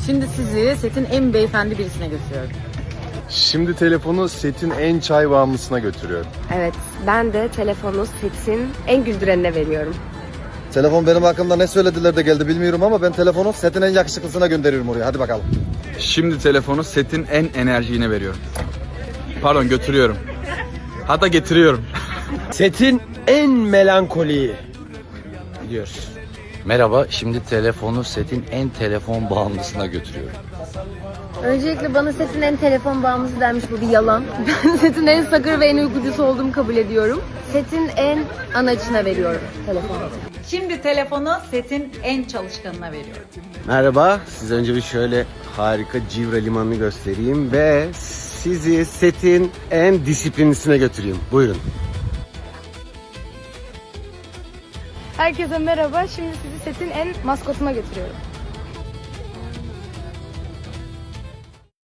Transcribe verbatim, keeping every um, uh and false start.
Şimdi sizi setin en beyefendi birisine götürüyorum. Şimdi telefonu setin en çay bağımlısına götürüyorum. Evet, ben de telefonu setin en güldürenine veriyorum. Telefon benim hakkımda ne söylediler de geldi bilmiyorum ama ben telefonu setin en yakışıklısına gönderiyorum oraya. Hadi bakalım. Şimdi telefonu setin en enerjiğine veriyorum. Pardon, götürüyorum. Hatta getiriyorum. Setin en melankoliyi. Gidiyoruz. Merhaba, şimdi telefonu setin en telefon bağımlısına götürüyorum. Öncelikle bana setin en telefon bağımlısı denmiş, bu bir yalan. Ben setin en sakır ve en uykucusu olduğumu kabul ediyorum. Setin en anacına veriyorum telefonu. Şimdi telefonu setin en çalışkanına veriyorum. Merhaba, size önce bir şöyle harika Civra limanını göstereyim ve sizi setin en disiplinlisine götüreyim. Buyurun. Herkese merhaba. Şimdi sizi setin en maskotuna götürüyorum.